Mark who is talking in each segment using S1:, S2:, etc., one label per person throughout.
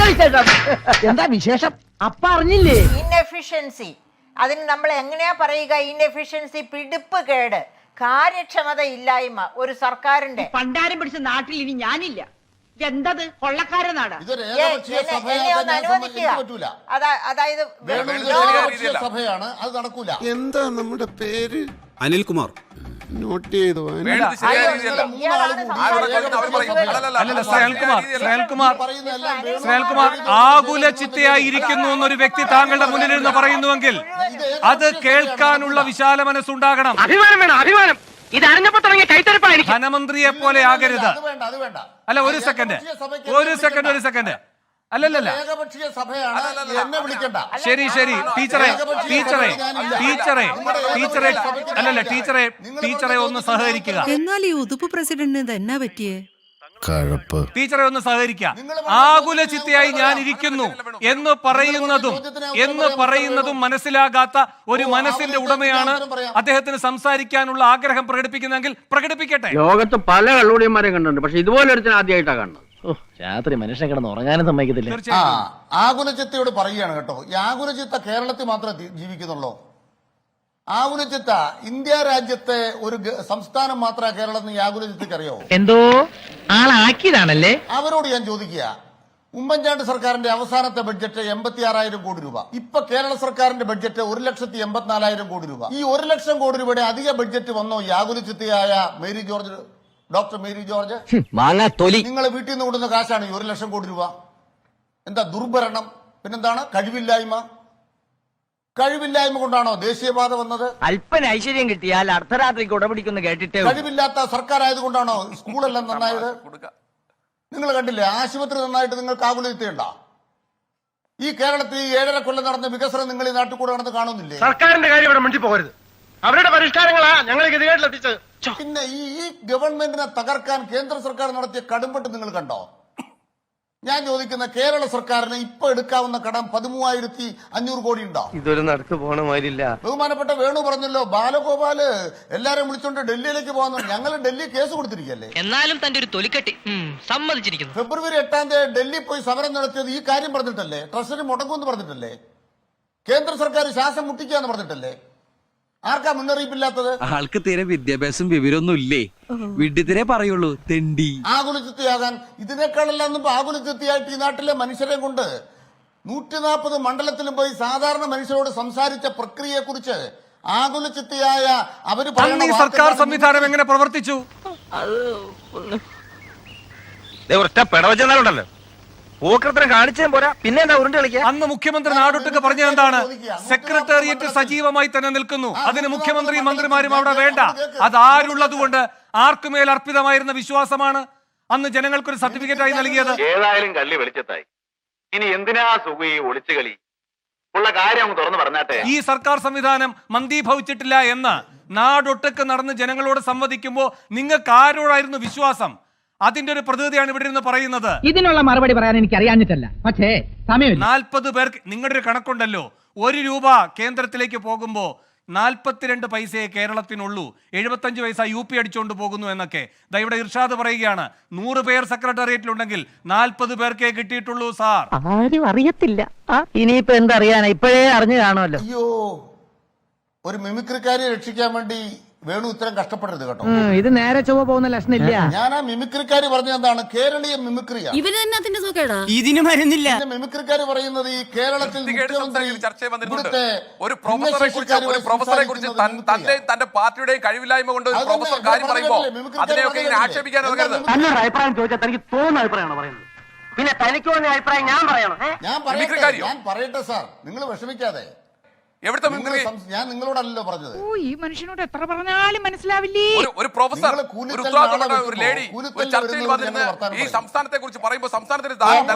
S1: എന്താ വിശേഷം? അപ്പ അറിഞ്ഞില്ലേ?
S2: ഇൻഎഫിഷ്യൻസി, അതിന് നമ്മൾ എങ്ങനെയാ പറയുക? ഇൻഎഫിഷ്യൻസി, പിടിപ്പ് കേട്, കാര്യക്ഷമത ഇല്ലായ്മ ഒരു സർക്കാരിന്റെ.
S1: പണ്ടാരം പിടിച്ച നാട്ടിൽ ഇനി ഞാനില്ല. എന്തത് കൊള്ളക്കാരെ നാടാ?
S2: എന്നെ ഒന്ന് അനുവദിക്കുക. അതായത്
S3: സഭയാണ്, അത് നടക്കൂല.
S4: എന്താ നമ്മുടെ പേര്?
S5: അനിൽകുമാർ.
S4: നോട്ട് ചെയ്തു.
S6: ശ്രേൽകുമാർ ആകുല ചിത്തയായിരിക്കുന്നു എന്നൊരു വ്യക്തി താങ്കളുടെ മുന്നിലിരുന്ന് പറയുന്നുവെങ്കിൽ അത് കേൾക്കാനുള്ള വിശാല മനസ്സുണ്ടാകണം.
S1: അഭിമാനം വേണം, അഭിമാനം. ഇത് അറിഞ്ഞപ്പോ തുടങ്ങിയ കൈത്തരപ്പായിരിക്കും.
S6: ധനമന്ത്രിയെ പോലെ ആകരുത്. അല്ല, ഒരു സെക്കൻഡ്. അല്ലല്ല, ശരി ടീച്ചറെ ഒന്ന് സഹകരിക്കുക.
S7: എന്നാൽ ഈ ഉതുപ്പ് പ്രസിഡന്റിന് എന്നാ പറ്റിയേ?
S6: ടീച്ചറെ ഒന്ന് സഹകരിക്കുക. ആകുല ചിത്തയായി ഞാൻ ഇരിക്കുന്നു എന്ന് പറയുന്നതും മനസ്സിലാകാത്ത ഒരു മനസ്സിന്റെ ഉടമയാണ് അദ്ദേഹത്തിന് സംസാരിക്കാനുള്ള ആഗ്രഹം പ്രകടിപ്പിക്കുന്നെങ്കിൽ പ്രകടിപ്പിക്കട്ടെ.
S1: ലോകത്ത് പല കള്ളുടിയന്മാരെയും കണ്ടിട്ടുണ്ട്, പക്ഷെ ഇതുപോലെ ഒരുത്തിന് ആദ്യമായിട്ടാണ് കാണുന്നത്. രാത്രി മനുഷ്യനെ കിടന്ന് ഉറങ്ങാനും സമ്മതിക്കത്തില്ല.
S3: ആകുലചിത്തയോട് പറയുകയാണ് കേട്ടോ. ഈ ആകുലചിത്ത കേരളത്തിൽ മാത്രമേ ജീവിക്കുന്നുള്ളൂ. ആകുലചിത്ത ഇന്ത്യ രാജ്യത്തെ ഒരു സംസ്ഥാനം മാത്രമേ കേരളത്തിൽ ഈ ആകുലചിത്തക്ക് അറിയാവൂ.
S1: എന്തോ ആളാക്കിയതാണല്ലേ.
S3: അവരോട് ഞാൻ ചോദിക്കുക, ഉമ്മൻചാണ്ടി സർക്കാരിന്റെ അവസാനത്തെ ബഡ്ജറ്റ് 86,000 കോടി രൂപ. ഇപ്പൊ കേരള സർക്കാരിന്റെ ബഡ്ജറ്റ് 1,84,000 കോടി രൂപ. ഈ 1 ലക്ഷം കോടി രൂപയുടെ അധിക ബഡ്ജറ്റ് വന്നോ ഈ ആകുലചിത്തയായ ഡോക്ടർ മേരി ജോർജ്? നിങ്ങൾ വീട്ടിൽ നിന്ന് കൊടുക്കുന്ന കാശാണ് ഈ 1 ലക്ഷം കോടി രൂപ. എന്താ ദുർഭരണം? പിന്നെന്താണ്? കഴിവില്ലായ്മ കൊണ്ടാണോ ദേശീയപാത വന്നത്?
S1: അല്പന ഐശ്വര്യം കിട്ടിയാൽ അർദ്ധരാത്രിക്ക് ഉടപിടിക്കുന്നു കേട്ടിട്ട്.
S3: കഴിവില്ലാത്ത സർക്കാർ ആയതുകൊണ്ടാണോ സ്കൂളെല്ലാം നന്നായത്? നിങ്ങൾ കണ്ടില്ലേ ആശുപത്രി നന്നായിട്ട് നിങ്ങൾക്ക് ആകുലചിത്തയുണ്ടോ? ഈ കേരളത്തിൽ 7.5 കൊല്ലം നടന്ന വികസനം നിങ്ങൾ ഈ നാട്ടിൽ കൂടെ നടന്ന് കാണുന്നില്ലേ?
S8: സർക്കാരിന്റെ കാര്യം ഇവിടെ മുണ്ടി പോകരുത്. അവരുടെ പരിഷ്കാരങ്ങളാ ഞങ്ങൾ ഗതികേട്ടിലെത്തിച്ചത്.
S3: പിന്നെ ഈ ഗവൺമെന്റിനെ തകർക്കാൻ കേന്ദ്ര സർക്കാർ നടത്തിയ കടുംപെട്ട് നിങ്ങൾ കണ്ടോ? ഞാൻ ചോദിക്കുന്ന കേരള സർക്കാരിന് ഇപ്പൊ എടുക്കാവുന്ന കടം 13,500 കോടി ഉണ്ടോ?
S8: ഇതൊരു നടക്ക് പോണ മാതിരില്ല.
S3: ബഹുമാനപ്പെട്ട വേണു പറഞ്ഞല്ലോ, ബാലഗോപാല് എല്ലാരും വിളിച്ചോണ്ട് ഡൽഹിയിലേക്ക് പോകുന്നു. ഞങ്ങൾ ഡൽഹി കേസ് കൊടുത്തിരിക്കല്ലേ.
S1: എന്നാലും തന്റെ ഒരു തൊലിക്കെട്ടി സമ്മതിച്ചിരിക്കുന്നു.
S3: ഫെബ്രുവരി 8 ഡൽഹി പോയി സമരം നടത്തിയത് ഈ കാര്യം പറഞ്ഞിട്ടല്ലേ? ട്രഷറി മുടങ്ങുമെന്ന് പറഞ്ഞിട്ടല്ലേ? കേന്ദ്ര സർക്കാർ ശ്വാസം മുട്ടിക്കാന്ന് പറഞ്ഞിട്ടല്ലേ? ആർക്കാ മുന്നറിയിപ്പില്ലാത്തത്?
S5: ആൾക്ക് തീരെ വിദ്യാഭ്യാസം വിവരമൊന്നും ഇല്ലേ, വിഡ്ഢിത്തിരെ പറയുള്ളൂ, തെണ്ടി.
S3: ആകുലചിത്തയാകാൻ ഇതിനേക്കാളെല്ലാം ആകുലചിത്തയായിട്ട് ഈ നാട്ടിലെ മനുഷ്യരെ കൊണ്ട് 140 മണ്ഡലത്തിലും പോയി സാധാരണ മനുഷ്യരോട് സംസാരിച്ച പ്രക്രിയയെ കുറിച്ച് ആകുലചിത്തയായ അവര്
S6: സർക്കാർ സംവിധാനം എങ്ങനെ പ്രവർത്തിച്ചു?
S8: പെടവച്ചെന്നാലുണ്ടല്ലോ പൂക്കൃത്രം കാണിച്ചേ പോരാ, പിന്നെ എന്താ ഉരുണ്ട് കളിക്കുക.
S6: അന്ന് മുഖ്യമന്ത്രി നാടൊട്ടുക്ക് പറഞ്ഞത് എന്താണ്? സെക്രട്ടേറിയറ്റ് സജീവമായി തന്നെ നിൽക്കുന്നു, അതിന് മുഖ്യമന്ത്രിയും മന്ത്രിമാരും അവിടെ വേണ്ട. അതാരുള്ളത് കൊണ്ട് ആർക്കുമേൽ അർപ്പിതമായിരുന്ന വിശ്വാസമാണ് അന്ന് ജനങ്ങൾക്കൊരു സർട്ടിഫിക്കറ്റായി നൽകിയത്.
S9: ഏതായാലും കള്ളി വെളിച്ചത്തായി. ഇനി എന്തിനാ സുഖ ഈ ഒളിച്ചുകളി? ഉള്ള കാര്യം തുറന്നു പറഞ്ഞാട്ടെ.
S6: ഈ സർക്കാർ സംവിധാനം മന്ദീഭവിച്ചിട്ടില്ല എന്ന് നാടൊട്ടുക്ക് നടന്ന് ജനങ്ങളോട് സംവദിക്കുമ്പോൾ നിങ്ങൾക്ക് ആരോടായിരുന്നു വിശ്വാസം? അതിന്റെ ഒരു പ്രതിനിധിയാണ് ഇവിടെ നിന്ന് പറയുന്നത്.
S1: ഇതിനുള്ള മറുപടി പറയാൻ എനിക്ക് അറിയാഞ്ഞിട്ടല്ല, പക്ഷേ സമയമില്ല.
S6: 40 പേർക്ക് നിങ്ങളുടെ ഒരു കണക്കുണ്ടല്ലോ, 1 രൂപ കേന്ദ്രത്തിലേക്ക് പോകുമ്പോ 42 പൈസയെ കേരളത്തിനുള്ളൂ, 75 പൈസ UP അടിച്ചുകൊണ്ട് പോകുന്നു എന്നൊക്കെ. ഇവിടെ ഇർഷാദ് പറയുകയാണ്, 100 പേർ സെക്രട്ടേറിയറ്റിലുണ്ടെങ്കിൽ 40 പേർക്കേ കിട്ടിയിട്ടുള്ളൂ സാർ.
S1: ആരും അറിയത്തില്ല. ഇനിയിപ്പോ എന്തറിയാനാ, ഇപ്പോഴേ അറിഞ്ഞു കാണുമല്ലോ.
S3: അയ്യോ, ഒരു മിമിക്രിക്കാരെ രക്ഷിക്കാൻ വേണ്ടി വേണു ഇത്രയും കഷ്ടപ്പെടരുത് കേട്ടോ.
S1: ഇത് നേരെ ചൊവ്വ പോകുന്ന ലക്ഷണില്ല.
S3: ഞാൻ ആ മിമിക്രിക്കാര് പറഞ്ഞ എന്താണ്? കേരളീയ മിമിക്രിയാണ്.
S5: ഇതിന് മരുന്നില്ല.
S3: മിമിക്രിക്കാര് പറയുന്നത് ഈ കേരളത്തിൽ
S10: ഒരു പ്രൊഫസറെ കുറിച്ച് തന്റെ പാർട്ടിയുടെയും കഴിവില്ലായ്മ കൊണ്ട് പ്രൊഫസർ കാര്യം പറയുമ്പോൾ അതിനെയൊക്കെ ഇങ്ങനെ ആക്ഷേപിക്കാൻ
S1: അഭിപ്രായം ചോദിച്ചാൽ തനിക്ക് തോന്നുന്ന അഭിപ്രായമാണ് പറയുന്നത്. പിന്നെ തനിക്ക് തോന്നിയ അഭിപ്രായം ഞാൻ പറയണം?
S3: ഞാൻ പറയട്ടെ സാർ, നിങ്ങൾ വിഷമിക്കാതെ. ഞാൻ നിങ്ങളോടല്ലോ പറഞ്ഞത്.
S7: ഈ മനുഷ്യനോട് എത്ര പറഞ്ഞാലും മനസ്സിലാവില്ലേ.
S10: ഒരു പ്രൊഫസർ, ഒരു ലേഡി ഒരു ചർച്ചയിൽ വന്നിരുന്ന് ഈ സംസ്ഥാനത്തെ കുറിച്ച് പറയുമ്പോൾ സംസ്ഥാനത്തിന്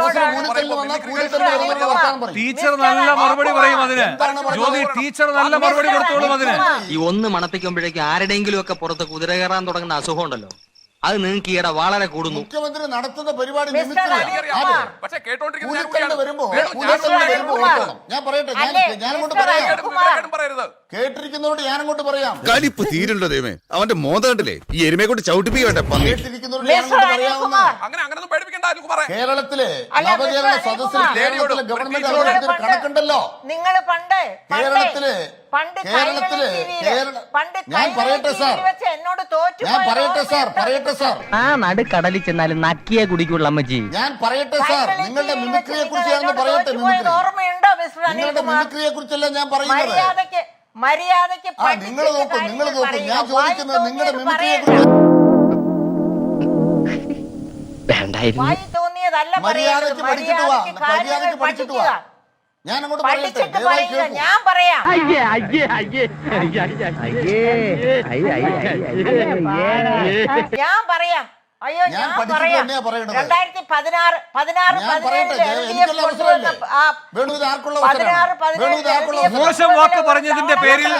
S6: ടീച്ചർ നല്ല മറുപടി പറയും അതിന്. ജ്യോതി ടീച്ചർ നല്ല മറുപടി കൊടുത്തോളും അതിന്.
S11: ഈ ഒന്ന് മണപ്പിക്കുമ്പോഴേക്കും ആരുടെയെങ്കിലും ഒക്കെ പുറത്ത് കുതിര കയറാൻ തുടങ്ങുന്ന അസുഖം ഉണ്ടല്ലോ,
S1: അത് നിങ്ങൾക്ക് ഈയിടെ വളരെ കൂടുന്നു.
S3: മുഖ്യമന്ത്രി നടത്തുന്ന പരിപാടി
S2: മിസ്റ്റർ
S3: മിമിക്രിയാ.
S2: അനിൽകുമാർ.
S3: അതെ.
S10: പക്ഷേ കേട്ടോണ്ടിരിക്കുന്ന ഞാൻ
S3: കൂലിത്തല്ല്
S10: കൂടിയാണ്.
S3: വരുമ്പോ
S10: വേണു, ഞാൻ
S3: കൂലിത്തല്ല്
S10: സംസാരിക്കാൻ
S3: വരുമ്പോ
S2: അനിൽകുമാർ.
S3: ഓർക്കണം. ഞാൻ പറയട്ടെ,
S2: അല്ലേ,
S3: ഞാനങ്ങോട്ട്
S2: മിസ്റ്റർ
S3: പറയാം.
S10: വിവേകേടും പറയരുത്.
S3: കേട്ടിരിക്കുന്നവരോട് ഞാനങ്ങോട്ട് പറയാം.
S4: കലിപ്പ് തീരുണ്ടോ ദൈവമേ അവന്റെ മോത കണ്ടില്ലേ ഈ എരുമയെ കൊണ്ട് ചവിട്ടിപ്പിക്കട്ടെ പന്നി.
S3: കേട്ടിരിക്കുന്നവരോട്
S2: മിസ്റ്റർ
S3: ഞാനങ്ങോട്ട് പറയാവുന്ന
S2: അനിൽകുമാർ.
S10: അങ്ങനൊന്നും പേടിപ്പിക്കണ്ട അനിൽകുമാറേ.
S3: കേരളത്തിലെ
S2: അല്ല,
S3: നവകേരള
S2: മിസ്റ്റർ
S3: സദസ്സിൽ
S2: അനിൽകുമാർ.
S3: കേരളത്തിലെ ഗവൺമെന്റ്
S10: നിങ്ങൾ
S3: അവതരിപ്പിച്ച ഒരു കണക്കുണ്ടല്ലോ.
S2: നിങ്ങൾ പണ്ട്
S3: കേരളത്തില്
S2: പണ്ട്
S3: ഞാൻ പറയട്ടെ സാർ,
S2: എന്നോട് തോറ്റു
S3: ഞാൻ പറയട്ടെ സാർ, പറയട്ടെ സാർ,
S1: ആ നടുക്കടലിൽ ചെന്നാലും നക്കിയെ കുടിക്കുള്ള അമ്മച്ചി.
S3: ഞാൻ പറയട്ടെ സാർ, നിങ്ങളുടെ മിമിക്രിയെ കുറിച്ച് ഞാൻ പറയട്ടെ. മിമിക്രി
S2: ഓർമ്മയുണ്ടോ മിസ്റ്റർ
S3: നിങ്ങളുടെ
S2: അനിൽകുമാർ?
S3: മിമിക്രിയെ കുറിച്ചല്ല ഞാൻ പറയുന്നത്.
S2: മര്യാദയ്ക്ക്
S3: നിങ്ങൾ നോക്കൂ, നിങ്ങൾ നോക്കൂ. ഞാൻ ചോദിക്കുന്നത് നിങ്ങളുടെ മിമിക്രിയെ
S2: പറയുക.
S3: കുറിച്ച്.
S1: വേണ്ടായിരുന്നു.
S2: വായി തോന്നിയതല്ല
S3: മര്യാദയ്ക്ക്
S2: പറയുന്നത്.
S3: പഠിച്ചിട്ട് വാ.
S2: മര്യാദയ്ക്ക് കാര്യങ്ങൾ
S3: മര്യാദയ്ക്ക് പഠിച്ചിട്ട് വാ.
S2: പഠിക്കുക.
S3: ഞാൻ അങ്ങോട്ട് പറയട്ടെ,
S2: പഠിച്ചിട്ട്
S3: ദയവായി
S2: പറയുക.
S3: കേൾക്കൂ.
S2: ഞാൻ പറയാം. ഞാൻ പറയാം. അയ്യോ
S3: ഞാൻ
S2: ഞാൻ
S3: പഠിച്ചിട്ട്
S2: പറയാം.
S3: തന്നെയാ പറയണത്.
S2: 2016
S3: ഞാൻ പറയട്ടെ, എനിക്കുള്ള അവസരമല്ലേ? വേണു, ഇത് ആർക്കുള്ള അവസരമാണ്? വേണു, ഇത് ആർക്കുള്ള അവസരമാണ്?
S6: മോശം വാക്ക് പറഞ്ഞതിന്റെ പേരിൽ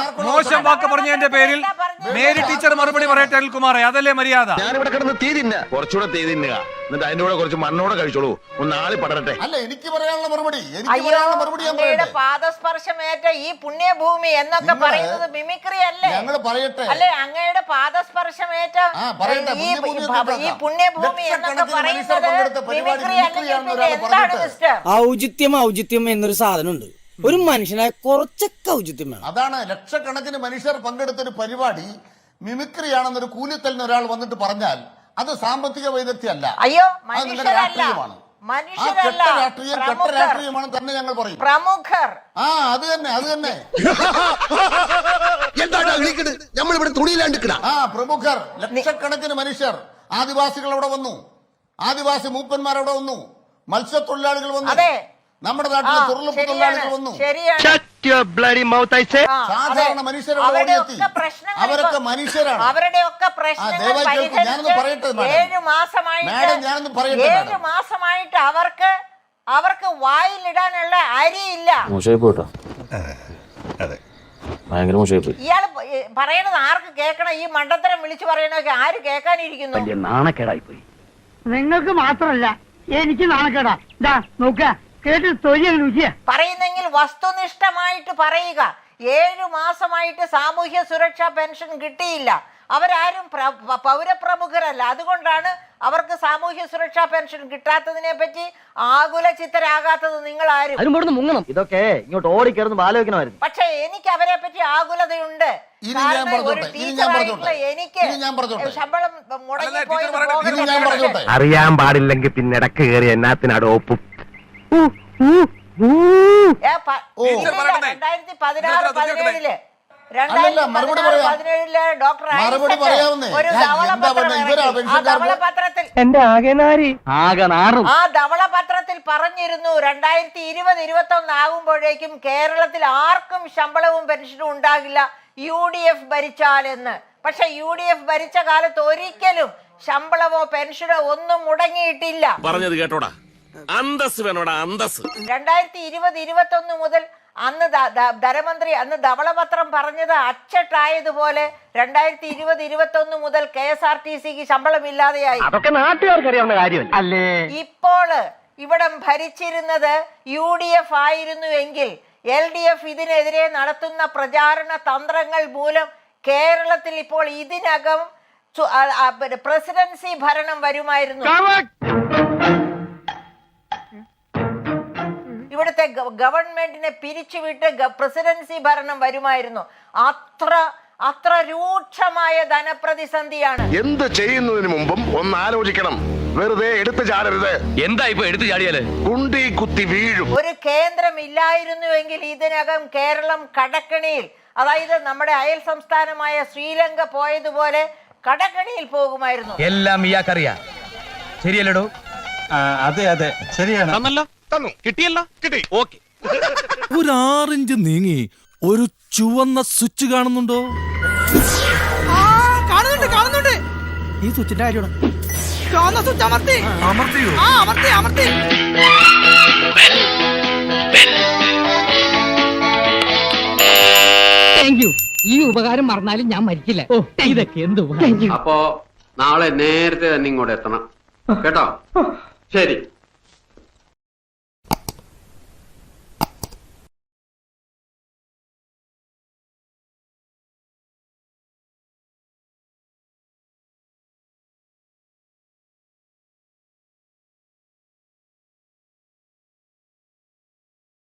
S6: മേരി ടീച്ചർ മറുപടി പറയട്ടെ അനിൽകുമാറെ, അതല്ലേ മര്യാദ?
S8: ഞാനിവിടെ കിടന്ന് തീ തിന്ന കുറച്ചുകൂടെ തീ തിന്നുക എന്നിട്ട് അതിന്റെ കൂടെ കുറച്ച് മണ്ണോടെ കഴിച്ചോളൂ ഒന്ന് ആളി പടരട്ടെ.
S3: അല്ല, എനിക്ക് പറയാനുള്ള മറുപടി ഞാൻ
S2: അങ്ങയുടെ
S3: പറയട്ടെ.
S2: പാദസ്പർശമേറ്റ ഈ പുണ്യഭൂമി എന്നൊക്കെ പറയുന്നത് മിമിക്രി അല്ലേ?
S3: ഞങ്ങൾ പറയട്ടെ.
S2: അല്ലേ, അങ്ങയുടെ പാദസ്പർശമേറ്റ
S3: പറയട്ടെ,
S2: ഈ പുണ്യഭൂമി എന്നൊക്കെ പറയുന്നത് മിമിക്രി അല്ലെങ്കിൽ പിന്നെ എന്താണ് മിസ്റ്റർ?
S11: ഔചിത്യം എന്നൊരു സാധനമുണ്ട്. ഒരു മനുഷ്യനായ കുറച്ചൊക്കെ ഔചിത്യം വേണം.
S3: അതാണ് ലക്ഷക്കണക്കിന് മനുഷ്യർ പങ്കെടുത്ത ഒരു പരിപാടി മിമിക്രിയാണെന്നൊരു കൂലിത്തലിന് ഒരാൾ വന്നിട്ട് പറഞ്ഞാൽ അത് സാമ്പത്തിക വൈദഗ്ധ്യമല്ല.
S2: അയ്യോ,
S3: അത് നിങ്ങളുടെ
S2: മനുഷ്യരല്ല.
S3: രാഷ്ട്രീയമാണ്. ആ
S2: മനുഷ്യരല്ല,
S3: കെട്ട രാഷ്ട്രീയമാണ് തന്നെ ഞങ്ങൾ പറയും.
S2: പ്രമുഖർ.
S3: അത് തന്നെ
S4: എന്താണ് നമ്മളിവിടെ തുണിയിലാണ്ടിക്കണ.
S3: പ്രമുഖർ, ലക്ഷക്കണക്കിന് മനുഷ്യർ. ആദിവാസികൾ അവിടെ വന്നു, ആദിവാസി മൂപ്പന്മാരവിടെ വന്നു, മത്സ്യത്തൊഴിലാളികൾ വന്നു,
S2: അതെ,
S3: നമ്മുടെ നാട്ടിലെ തൊഴിലുറപ്പ് തൊഴിലാളികൾ വന്നു,
S2: ശരിയാണ്.
S3: സാധാരണ മനുഷ്യരോട് ഓടിയെത്തി. അവരൊക്കെ മനുഷ്യരാണ്.
S2: അവരുടെയൊക്കെ പ്രശ്നങ്ങൾ
S3: ഞാനൊന്ന് പറയട്ടെ മാഡം.
S2: 7 മാസമായിട്ട്
S3: ഞാനൊന്ന് പറയട്ടെ
S2: 7 മാസമായിട്ട് അവർക്ക് വായിലിടാനുള്ള അരിയില്ല. ഇയാള് പറയണത് ആർക്ക് കേൾക്കണം? ഈ മണ്ടത്തരം വിളിച്ചു പറയണൊക്കെ ആര് കേൾക്കാനിരിക്കുന്നു?
S1: നാണക്കേടായി പോയി.
S7: നിങ്ങൾക്ക് മാത്രല്ല എനിക്ക് നാണക്കേടാ. നോക്ക കേട്ട് തൊഴിൽ
S2: പറയുന്നെങ്കിൽ വസ്തുനിഷ്ഠമായിട്ട് പറയുക. 7 മാസമായിട്ട് സാമൂഹ്യ സുരക്ഷാ പെൻഷൻ കിട്ടിയില്ല. അവരാരും പൗരപ്രമുഖരല്ല. അതുകൊണ്ടാണ് അവർക്ക് സാമൂഹ്യ സുരക്ഷാ പെൻഷൻ കിട്ടാത്തതിനെ പറ്റി ആകുല ചിത്തരാകാത്തത് നിങ്ങൾ ആരും.
S1: മുങ്ങണം. ഇതൊക്കെ ഇങ്ങോട്ട് ഓടിക്കയറുന്ന ആലോചിക്കണമായിരുന്നു.
S2: പക്ഷെ എനിക്ക് അവരെ പറ്റി ആകുലതയുണ്ട്. ഒരു ടീച്ചറായിട്ടുള്ള എനിക്ക് ശമ്പളം മുടങ്ങിപ്പോയത്
S8: അറിയാൻ പാടില്ലെങ്കിൽ പിന്നെ ഇടക്ക് കയറി എന്നാത്തിനാട് ഒപ്പും.
S2: 2016-17 ഡോക്ടർ ഒരു ധവളപത്രത്തിൽ ആ ധവളപത്രത്തിൽ പറഞ്ഞിരുന്നു 2020-21 ആകുമ്പോഴേക്കും കേരളത്തിൽ ആർക്കും ശമ്പളവും പെൻഷനും ഉണ്ടാകില്ല UDF ഭരിച്ചാലെന്ന്. പക്ഷെ UDF ഭരിച്ച കാലത്ത് ഒരിക്കലും ശമ്പളമോ പെൻഷനോ ഒന്നും മുടങ്ങിയിട്ടില്ല.
S8: പറഞ്ഞത് കേട്ടോടാ, അന്തസ് വേണോടാ, അന്തസ്.
S2: 2020-21 മുതൽ അന്ന് ധനമന്ത്രി അന്ന് ധവളപത്രം പറഞ്ഞത് അച്ചട്ടായതുപോലെ 2020-21 മുതൽ KSRTCക്ക് ശമ്പളമില്ലാതെയായി.
S1: അതൊക്കെ നാട്ടുകാർക്ക് അറിയാവുന്ന കാര്യമല്ല അല്ലേ?
S2: ഇപ്പോൾ ഇവിടം ഭരിച്ചിരുന്നത് UDF ആയിരുന്നുവെങ്കിൽ LDF ഇതിനെതിരെ നടത്തുന്ന പ്രചാരണ തന്ത്രങ്ങൾ മൂലം കേരളത്തിൽ ഇപ്പോൾ ഇതിനകം പ്രസിഡൻസി ഭരണം വരുമായിരുന്നു. ഇവിടുത്തെ ഗവൺമെന്റിനെ പിരിച്ചുവിട്ട് പ്രസിഡൻസി ഭരണം വരുമായിരുന്നു. അത്ര രൂക്ഷമായ ധനപ്രതിസന്ധിയാണ്.
S8: എന്ത് ചെയ്യുന്നതിന് മുമ്പും ഒന്ന് ആലോചിക്കണം. വെറുതെ എടുത്തു ചാടരുത്. എന്താ ഇപ്പൊ എടുത്തു ചാടിയാല് കുണ്ടി കുത്തി വീഴും.
S2: ഒരു കേന്ദ്രം ഇല്ലായിരുന്നുവെങ്കിൽ ഇതിനകം കേരളം കടക്കണിയിൽ, അതായത് നമ്മുടെ അയൽ സംസ്ഥാനമായ ശ്രീലങ്ക പോയതുപോലെ കടക്കണിയിൽ പോകുമായിരുന്നു.
S1: എല്ലാം ഇയാൾക്കറിയാം. ശരിയല്ലടോ?
S8: അതെ ശരിയാണ്. തന്നു കിട്ടിയല്ലോ, കിട്ടി. ഓക്കെ.
S4: ഒരു 6 ഇഞ്ച് നീങ്ങി ഒരു ചുവന്ന സ്വിച്ച് കാണുന്നുണ്ടോ?
S7: കാണുന്നുണ്ട്.
S11: ഈ സ്വിച്ചിന്റെ കാര്യമാണ്.
S7: ചുവന്ന സ്വിച്ച് അമർത്തിയോ? അമർത്തി.
S11: ഈ ഉപകാരം മറന്നാലും ഞാൻ മരിക്കില്ല. ഇതൊക്കെ എന്ത്
S9: അപ്പോ നാളെ നേരത്തെ തന്നെ ഇങ്ങോട്ട് എത്തണം കേട്ടോ? ശരി.